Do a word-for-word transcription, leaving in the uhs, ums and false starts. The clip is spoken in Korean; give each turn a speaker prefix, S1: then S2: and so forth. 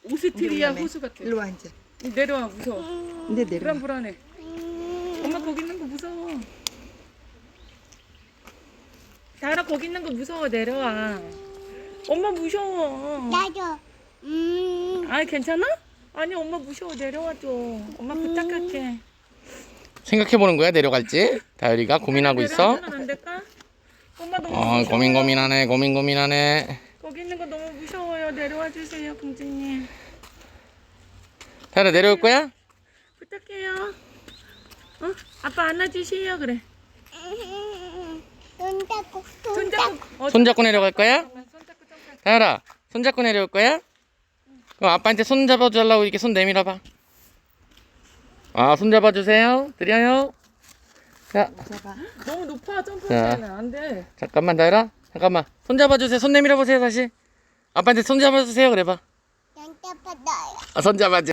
S1: 오스트리아 호수 같아.
S2: 일로 와 이제.
S1: 내려와 무서워.
S2: 근데 내려.
S1: 불안 불안해. 엄마 거기 있는 거 무서워. 다현아 거기 있는 거 무서워. 내려와. 엄마 무서워.
S3: 나도. 음.
S1: 아 괜찮아? 아니 엄마 무서워. 내려와줘. 엄마 부탁할게.
S4: 생각해보는 거야 내려갈지? 다율이가 고민하고 있어.
S1: 내려가면 안 될까? 엄마 너무
S4: 어
S1: 무서워.
S4: 고민 고민하네 고민 고민하네.
S1: 거기 있는 거 너무 무서워요. 내려와 주세요, 공주님.
S4: 다율아 내려올 거야?
S1: 부탁해요. 어? 아빠 안아주세요. 그래.
S3: 손 잡고 손
S1: 손
S3: 잡고.
S1: 잡고. 어,
S4: 손잡고 내려갈 거야?
S1: 잠깐만, 손 잡고 잠깐.
S4: 다율아 손잡고 내려올 거야? 그럼 아빠한테 손 잡아주려고 이렇게 손 내밀어봐. 아 손 잡아주세요. 드려요. 자
S2: 잡아.
S1: 너무 높아 점프하면 안 돼.
S4: 잠깐만 다율아 잠깐만 손 잡아주세요. 손 내밀어 보세요 다시. 아빠한테 손 잡아주세요 그래봐.
S3: 난 잡았어요.
S4: 아, 손 잡아줘.